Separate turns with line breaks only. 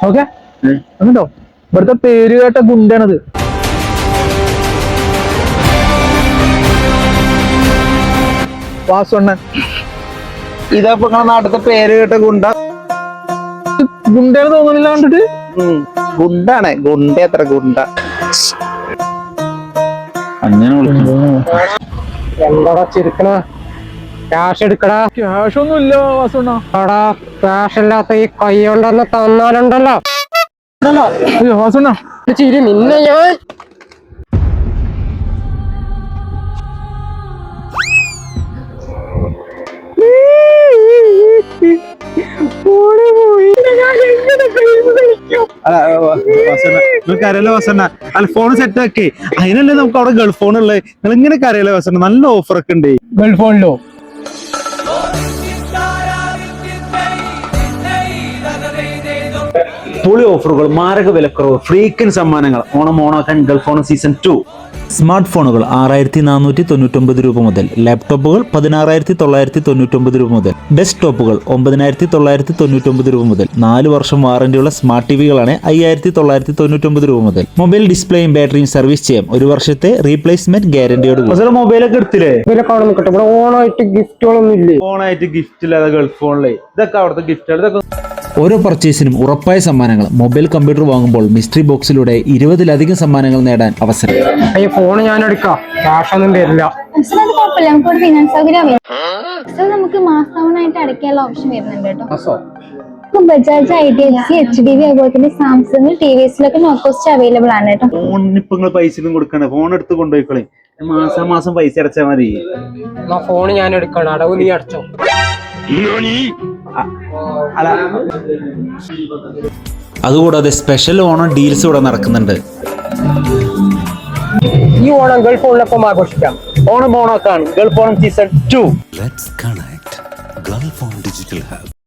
Okay അങ്ങോട്ടോ ഇവിടുത്തെ പേര് കേട്ട ഗുണ്ടാണത്. വാസുണ്ണൻ.
ഇതപ്പോ നിങ്ങളെ നാട്ടിലത്തെ പേര് കേട്ട ഗുണ്ട.
ഗുണ്ടേന്ന് തോന്നുന്നില്ല കണ്ടിട്ട്.
ഗുണ്ടാണ് ഗുണ്ട. എത്ര ഗുണ്ട അങ്ങനെ
എന്താടാ ചിരിക്കണ? ക്യാഷ് എടുക്കടാ. ക്യാഷ് ഒന്നും ഇല്ല വാസുണ്ണ. എടാ ക്യാഷ് ഇല്ലാത്ത ഈ കൈ കൊണ്ടൊന്ന് തന്നാലുണ്ടല്ലോ വാസുണ്ണ. ചിരി നിന്നെ ഞാൻ
കരയിലെ വസണ്ണ അല്ല ഫോൺ സെറ്റ് ആക്കി. അതിനല്ലേ നമുക്ക് അവിടെ ഗൾഫ് ഫോൺ ഉള്ളത്. നിങ്ങൾ ഇങ്ങനെ കരയിലെ വസണ്ണ നല്ല ഓഫർ ഒക്കെ ഉണ്ട്
ഗൾഫ് ഫോണിലോ.
പൊളി ഓഫറുകൾ, മാരക വിലക്കുറവ്, ഫ്രീക്കൻ സമ്മാനങ്ങൾ. ഓണം ഓണാക്കാൻ ഗൾഫ് ഓണം സീസൺ 2. സ്മാർട്ട് ഫോണുകൾ 6499 രൂപ മുതൽ, ലാപ്ടോപ്പുകൾ 16999 രൂപ മുതൽ, ഡെസ്ക്ടോപ്പുകൾ 9999 രൂപ മുതൽ, 4 വർഷം വാറന്റിയുള്ള സ്മാർട്ട് ടിവികളാണ് 5999 രൂപ മുതൽ. മൊബൈൽ ഡിസ്പ്ലേയും ബാറ്ററിയും സർവീസ് ചെയ്യാം. 1 വർഷത്തെ റീപ്ലേസ്മെന്റ് ഗ്യാരണ്ടിയോട്. മൊബൈലൊക്കെ എടുത്തില്ലേ?
ഓണായിട്ട് ഗിഫ്റ്റുകളൊന്നും ഇല്ലേ?
ഓണായിട്ട് ഗിഫ്റ്റ് ഇല്ലാതെ ഗൾഫ് ഫോണിലെ ഇതൊക്കെ അവിടുത്തെ ഗിഫ്റ്റുകൾ. ഇതൊക്കെ
ഓരോ പർച്ചേസിനും ഉറപ്പായ സമ്മാനങ്ങൾ. മൊബൈൽ കമ്പ്യൂട്ടർ വാങ്ങുമ്പോൾ മിസ്റ്ററി ബോക്സിലൂടെ 20-ലധികം സമ്മാനങ്ങൾ നേടാൻ അവസരം.
ഈ ഫോൺ ഞാൻ എടുക്കാം, ക്യാഷ് ഒന്നും തരില്ല.
നമുക്ക് മാസമായിട്ട് അടയ്ക്കാനുള്ള ഓപ്ഷൻ വരുന്നുണ്ട് കേട്ടോ. ബജാജ്, IDFC, HDB അതുപോലെ തന്നെ സാംസങ്, TVSലൊക്കെ നോ കോസ്റ്റ് അവൈലബിൾ ആണ് കേട്ടോ.
ഫോണിന് ഇപ്പൊ നിങ്ങൾ പൈസ ഒന്നും കൊടുക്കണേ, ഫോൺ എടുത്ത് കൊണ്ടുപോയിക്കളെ. മാസം പൈസ അടച്ചാൽ മതി.
ഫോൺ ഞാൻ എടുക്കണം, അടവ് നീ അടച്ചോ.
അതുകൂടാതെ സ്പെഷ്യൽ ഓണം ഡീൽസ് ഇവിടെ നടക്കുന്നുണ്ട്.
ഈ ഓണം ഗൾഫ് ഫോണിലൊപ്പം ആഘോഷിക്കാം.
ഓണം ഓണാക്കാൻ Gulf Onam season 2.
Let's connect Gulf on Digital Hub.